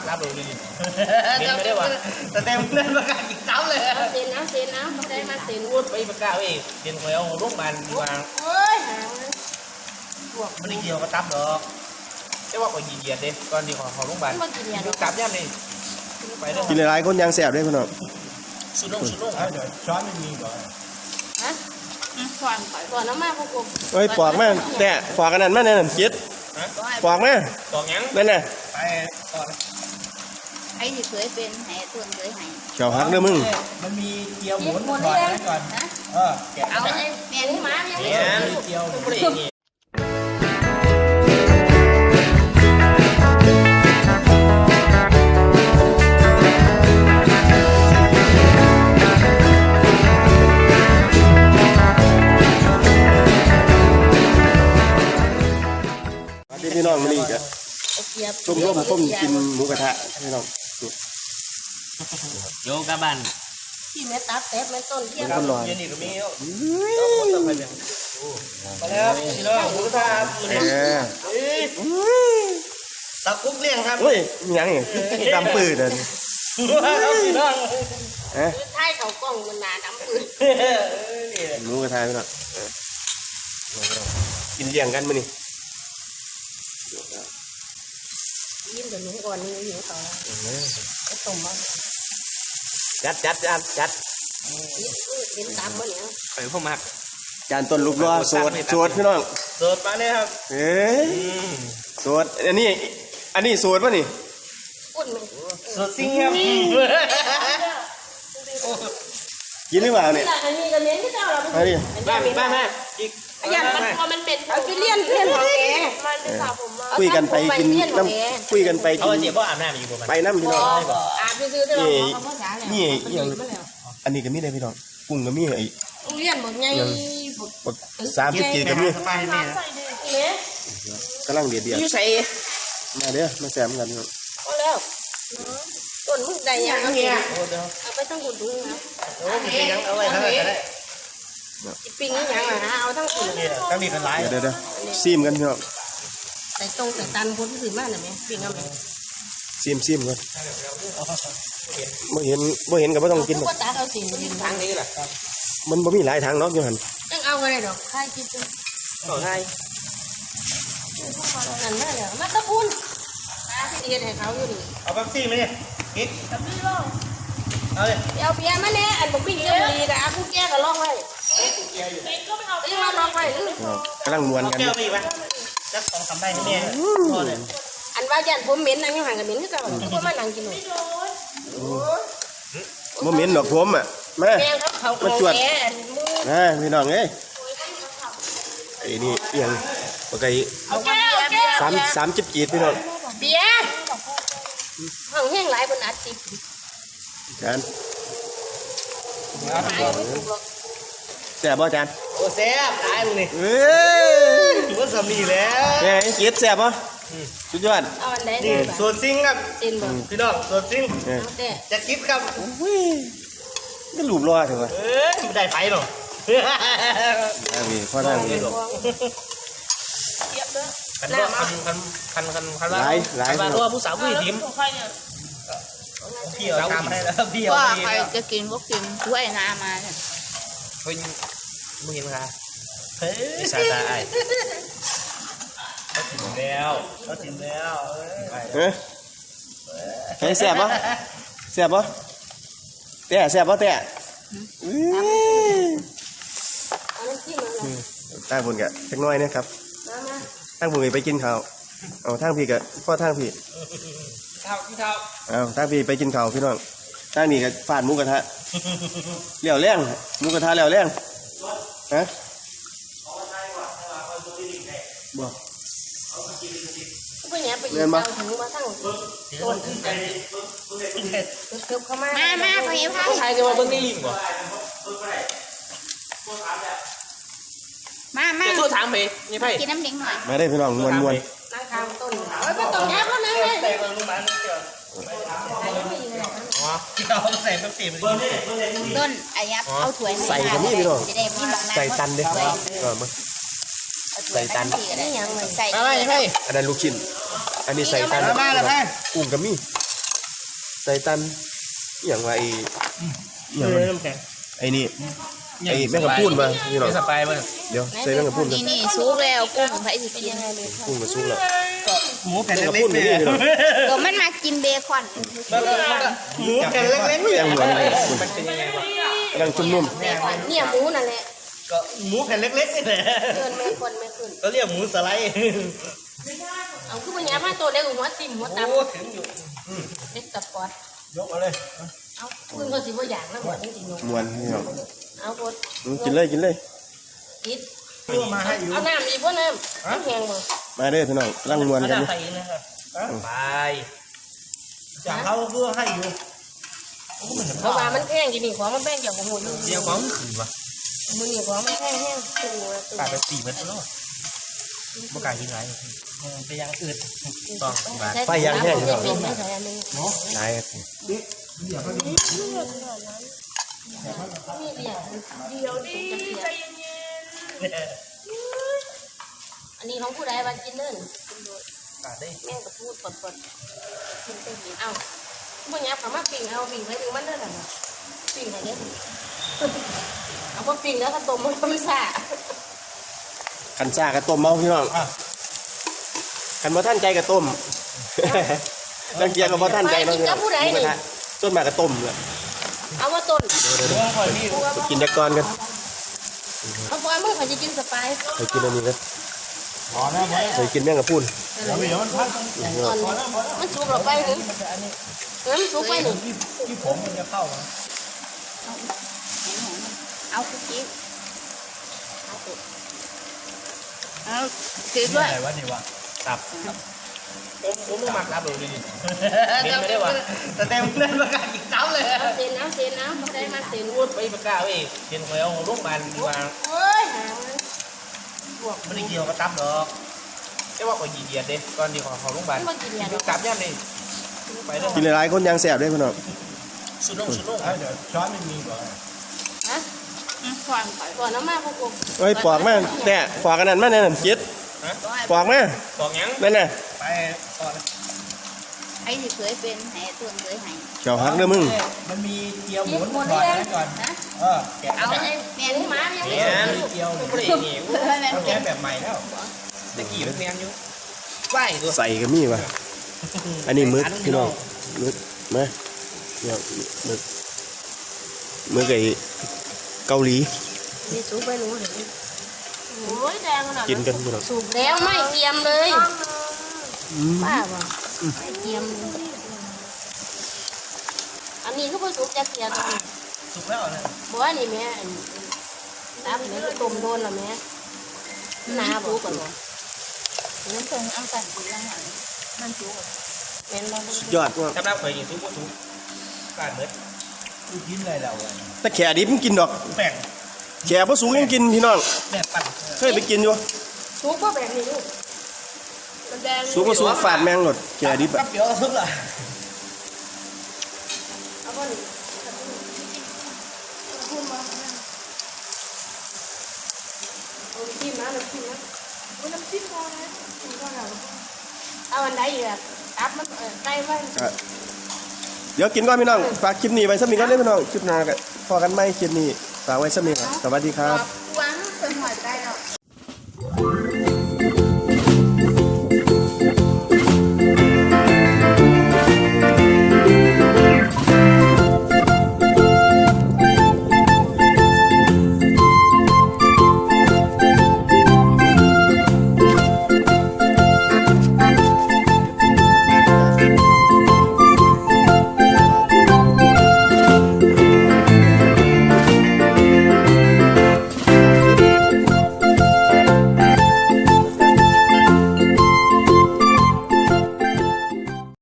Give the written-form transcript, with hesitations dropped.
ตับเลยดิเห็นไม่ได้วะแต่เต็มเล่นประกาศกินตับเลยเซ็นเอาได้มาเซ็นพูดไปประกาศเองเซ็นคอยเอาลูกมันวางเฮ้ยหาพวกไม่ได้เกี่ยวกับตับหรอกใช่ว่าคอยเหยียดเด็ตอนที่ของลูกมันดูกลับย่ำเลยไปเรื่องกินหลายๆคนยังแสบด้วยพี่น้องสุดลงเดี๋ยวช้อนไม่มีก่อนฮะก่อนน้ำมาพวกกูเฮ้ยปอกมาแต่ปอกกันนั่นมาเนี่ยคิดปอกมาตอกยังนั่นน่ะไปก่อนไอ้ที่เคยเป็นแห่ตัวเคยหายเขียวหักเด้อมึงมันมีเกี๊ยวหมุนก่อนนะก่อนแกะเอาไอ้แมงม้ายังไม่เนี่ยถูกเกี๊ยวไม่ได้นี่พี่น้องมันนี่กะเกียบต้มกินหมูกระทะพี่น้องโยกกับบ้านที่แม่ตับแต๊บแม่ต้นเทียมคนรอเย็นนี่ก็มีมาแล้วพี่น้องหมูกระทะ ตะกุ๊กเลี้ยงครับเฮ้ยยังไงดำปืดอ่ะพี่น้องเอ๊ะใช่เขากล้องมันหนาดำปืนหมูกระทะพี่น้องกินเลี้ยงกันมื้อนี้ยิ้มเดี๋ยวหนูก่อนนี่หิวเขาไอ้ต้มบ้างจัดยิ้มตามมาเนี่ยไปพวกมักจานต้นลูกล้อสดพี่น้องเสิร์ฟมาเลยครับเอ๊ะสดอันนี้สดป่ะนี่อุ่นไหมสดซิ่งครับกินหรือเปล่าเนี่ยอันนี้ก็เน้นที่เจ้าเรามาดิมาอีกอย่างมันพอมันเป็นเอาไปเลี้ยนของแกมันเป็นสาวผมมาคุยกันไปกินน้ำคุยกันไปเขากินเจ็บเพราะอาบน้ำอยู่ประมาณไปน้ำพี่น้องอาบซื้อได้หรอเขาภาษาแล้วนี่อย่างอันนี้ก็มีได้พี่น้องกุ้งก็มีไอ้เลี้ยนหมดไง 30 กีก็มีสบายแม่เนี่ยกำลังเดือดอยู่ใส่มาเด้อมาแซมกันพี่น้องเอาแล้วต้นมึงได้ยังเนี่ยโอ้เดี๋ยวเอาไปตั้งหุ่นดูนะโอ้มียังเอาไว้ทั้งนั้นได้ปิ้งนี่ยังอ่ะเอาทั้งหุ่นเนี่ยก็มีเป็นหลายเดี๋ยวซีมกันพี่น้องใส่ตรงใส่ตันคนที่ถือมาหน่อยไหมปิ้งเอาไหมซีมกันบ่เห็นก็บ่ต้องกินหรอกก็ตัดเอาสิ่งดีทางนี้แหละมันบ่มีหลายทางเนาะอยู่หั่นต้องเอาอะไรดอกใครคิดดูต่อให้นั่นแม่เลยมาตะคุณที่เฮ็ดให้เขาอยู่นี่เอาปั๊บซี่มาเนี่ยกิ๊กเอาเลยเอาเบียร์มาเนี่ยอันบอกปิ้งเยอะดีแต่อาคุณแก่ก็ลองไว้ยังมาลองไว้กำลังมวนกันแก้วมีไหมจัก2-3ใบนี่แม่พอเลยอันว่ายันผมเหม็นนั่งอยู่ห่างกันเหม็นก็เก่าเพราะมานั่งกินหนูบ่เหม็นดอกผมอ่ะมาแม่เขาแก่มือพี่น้องเอ้ยไอ้นี่เอียงปกติเอาแก้ว 30 กีดพี่น้องเบียร์ห้องแห้งหลายบนอัดติดจานแซ่บบ่จานโอ้แซ่บตายมึงนี่เอ้ยถือว่าสามีแล้วแม่กีดแซ่บบ่สุดยอดเอาอันไหนนี่ดีส่วนซิงครับเต็นบ่พี่น้องส่วนซิงเอาแต่จะกิ๊บครับอุ้ยก็รูปรอเถอะวะไม่ได้ไฟหรอกนี่พ่อนั่งนี่คันว่าคันว่าตัวผู้สาวผู้หญิงพี่เอาตามให้แล้วพี่เอาว่าพี่ใครจะกินก็กินถ้วยน้ำมาเนี่ยเป็นมึงเห็นไหมครับเฮ้ยสาตาไอ้เขาถึงแล้วเฮ้ยแซ่บบ่แซ่บบ่แต่แซ่บบ่แต่อุ้ยเอาน้ำจิ้มมาเลยตั้งบุญกะจักหน้อยนะครับมาตั้งบุญไปกินข้าวเอาทางพี่กะพ่อทางพี่เท้าพี่เท้าเอาทางพี่ไปกินข้าวพี่น้องทางนี้ก็ฟาดหมูกระทะเลี้ยวแรงหมูกระทะเลี้ยวแรงฮะบ่ก็เนี่ยไปยืนเตาถึงมาทั้งต้นเกือบเข้ามามาไปพาใครจะมาเบิ้งนี่ลิงบ่มาจะสู้ถามไปนี่ไพ่กินน้ำเลี้ยงหน่อยมาได้พี่น้องมวนนั่งทางต้นโอ้ยไปต้นแย่แล้วนะเลยแต่ลงมาเกี่ยวอ๋อที่เราใส่แบบตีมันต้นอายับเอาถ้วยใส่กันนี่พี่น้องจะได้มีบางใส่ตันเด้อมาใส่ตันนี่ยังใส่อะไรไพ่อันนั้นลูกชิ้นอันนี้ใส่ตันกุ้งกับมีใส่ตันอหย่างว่าไอ้อหย่างเลว่ายน้ำแข็งไอ้นี่ไอ้แม่งกระพูนมาพี่น้องไม่สบายมั้งเดี๋ยวใส่แม่งกระพูนกันนี่ซุกแล้วกุ้งไผสิกินพูนมาซุกแล้วหมูแผ่นแม่งกระเล็พูกนๆนี่เนี่ยพี่น้องก็มันมากินเบคอนหมูแผ่นเล็กๆเนี่ยแจ้งเหมือนเลยมันเป็นยังไงวะกำลังจุ่มนุ่มเนี่ยหมูนั่นแหละก็หมูแผ่นเล็กๆนี่แหละเกินไม่คนไม่ขึ้นก็เรียกหมูสไลด์เอาคือมันยามาตัวเด็กหัวติ่มหัวตับโอ้ถึงอยู่เด็กตับปอดยกเอาเลยเอาคุณก็สิบ่อย่างแล้วหัวจริงๆมวนพี่น้องเอาพดกินเลยกินเลยกินตัวมาให้อยู่เอาน้ำอีกบ่น้ำน้ำแห้งบ่มาเด้อพี่น้องกำลังมวนกันเอานี่ใส่อีกนะครับไปจากเขาเพื่อให้อยู่เพราะว่ามันแห้งจริงๆของมันแป้งอย่างของหมูเดี๋ยวของขึ้นวะมือนี่ของมันแห้งแห้งตัวกลายเป็น4 เม็ดแล้วเมื่อกลายเป็นไรไปยังอืดต้องมาไฟยังแห้งอยู่เป็นไม่ใช่อันนึงหลายครับมีเดียวดิใจเย็นอันนี้ของผู้ใดว่ากินเนิ่นกาดได้แม่ก็พูดปดกินเต็มที่เอ้าบ่ยับเขามาปิ้งเอาปิ้งไปถึงมันเด้อน่ะปิ้งให้เด้เอาพอปิ้งแล้วก็ต้มมันซ่าคันซ่ากระต้มเมาพี่น้องคันบ่ท่านใจกระต้มจังเกียร์ก็บ่ท่านใจเนาะพี่น้องต้นมากระต้มเลยเอาว่าต้นกินจักก่อนกันเอาปล่อยมึงเขาจะกินสไปซ์ไปกินอันนี้กันพอแล้วไปกินแม่งกระพูนเดี๋ยวมันพักมันสุกเราไปหนึ่งมันสุกไปหนึ่งที่ผมมันจะเข้าเอาคุกกี้เอาถือด้วยอะไรวะนี่วะตับผมไม่มักรับเลยดิเห็นไม่ได้วะแต่เต็มเล่นประกาศอีกเจ้าเลยเซนน้ำไม่ได้มาเซนพูดไปประกาศเว้ยเห็นแล้วโรงพยาบาลดีกว่าเฮ้ยหามันไม่ได้เกี่ยวกับตับหรอกแค่ว่าก็ยีเดียดเด้ก่อนดีของโรงพยาบาลมันกินยากลับย่ำนี่ไปเด้อกินหลายๆคนยังแสบด้วยพี่น้องสุดลงเดี๋ยวช้อนไม่มีก่อนฮะก่อนน้ำมาพวกกูเฮ้ยปอกมาแต่ปอกกันนั่นมาแน่นอนจิตปอกมาบอกยังนั่นน่ะไปก่อนไอ้ที่เคยเป็นแห่ตัวเคยหายเจ้าฮักเด้อมึงมันมีเกี๊ยวหมุนก่อนนะก่อนนะแกะเอาไอ้แมงหมายังไม่เนี่ยสุกเกี๊ยวไม่ได้นี่เขาแกะแบบใหม่แล้วตะกี้มันแมงอยู่ไหวตัวใส่ก็มีว่ะอันนี้มึกพี่น้องมึกมาเนี่ยมึกไอ้เกาหลีนี่สุกไปหนูเห็นโอ้ยแดงขนาดกินกันพี่น้องสุกแล้วไม่เกียมเลยป้าบ่ไม่เกียมอันนี้ก็เพิ่งสุกจะเกียมสุกแล้วนะบ่ว่านี่แม่น้ำนี่ก็ต้มโดนแล้วแม่น้าบ่ก่อนบ่น้ำเพิ่งเอาสั่นกินแล้วหน่อยมันสุกแม่นบ่สุดยอดว่ะสำหรับเคยยิงสุกก็สุกการเบิดกินเลยแล้วแต่แขดิบมันกินดอกแป้งแขบ่สูงยังกินพี่น้องแบบปั่นเคยไปกินอยู่สุกบ่แบบนี้ลูกมันแดงสูงก็สูงฝาดแมงหลดแขดิบกัอะบเดี๋ยวสุกละเอาบ่นี่เอาจิ้มนะน้ำจิ้มนะน้ำจิ้มพอนะเอาอันใดอีกอ่ะตับมันไก่ไว้เดี๋ยวกินก่อนพี่น้องฝากคลิปนี้ไว้สักนิดก่อนเด้อพี่น้องคลิปหน้าก็พอกันไหมคลิปนี้ฝากไว้สักนิดก่อนสวัสดีครับ